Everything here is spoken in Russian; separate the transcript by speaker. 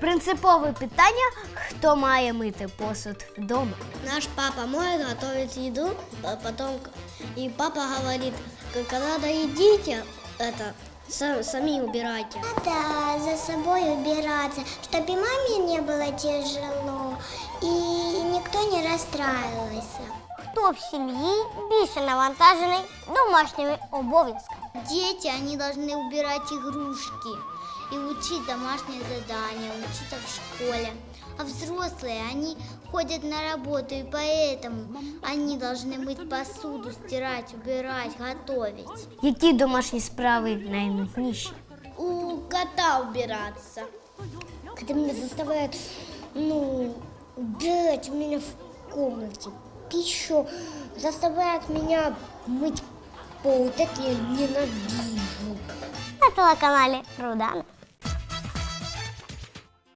Speaker 1: Принципове питання, хто має мити посуд вдома.
Speaker 2: Наш папа моет, готовит еду, потом и папа говорит, когда доедите, сами убирайте.
Speaker 3: Да, за собой убираться, чтобы и маме не было тяжело, и никто не расстраивался.
Speaker 4: Хто в сім'ї більше навантажений домашніми обов'язками?
Speaker 2: Дети, они должны убирать игрушки и учить домашние задания, учиться в школе. А взрослые, они ходят на работу, и поэтому они должны мыть посуду, стирать, убирать, готовить.
Speaker 1: Які домашні справи найнудніші?
Speaker 2: У кота убираться.
Speaker 3: Когда меня заставляют, убирать у меня в комнате пищу, заставляют меня мыть пол, вот это я ненавижу.
Speaker 4: На телеканалі Рудана.